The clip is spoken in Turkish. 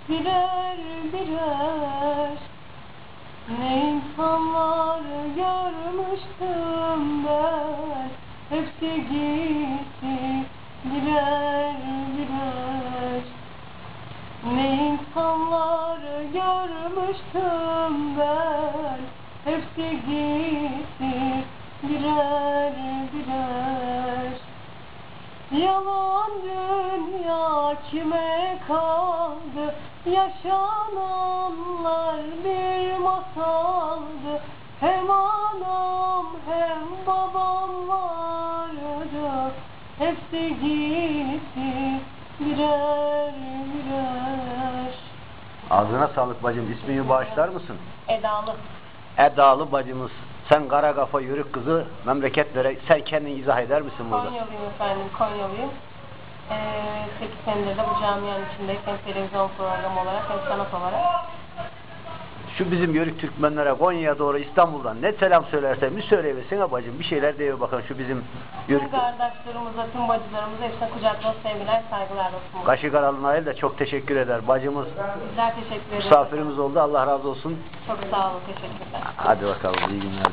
birer birer. Ne insanlar görmüştüm ben, hepsi gitti birer birer. Ne insanlar görmüştüm ben, hepsi gitti birer birer. Yalan dünya kime kaldı? Yaşananlar bir masaldı. Hem anam hem babam vardı, hepsi gitti birer birer. Ağzına sağlık bacım. İsmini bağışlar mısın? Edalı. Edalı bacımız. Sen kara kafa yörük kızı, memleketlere sen kendin izah eder misin burada? Konyalıyım efendim, Konyalıyım. 8 senedir de bu camianın içindeyim. Hem televizyon programı olarak hem sanat olarak. Şu bizim yörük Türkmenlere Konya'ya doğru İstanbul'dan ne selam söylersen bir söyleyebilsin bacım. Bir şeyler diyor bakın şu bizim yörük. Tüm kardeşlerimize, tüm bacılarımıza hepsine kucakla sevgiler, saygılar olsun. Kaşı Karalı Nail de çok teşekkür eder. Bacımız Bizler teşekkür ederiz. misafirimiz oldu. Allah razı olsun. Çok sağ olun, teşekkürler. Hadi bakalım, iyi günler.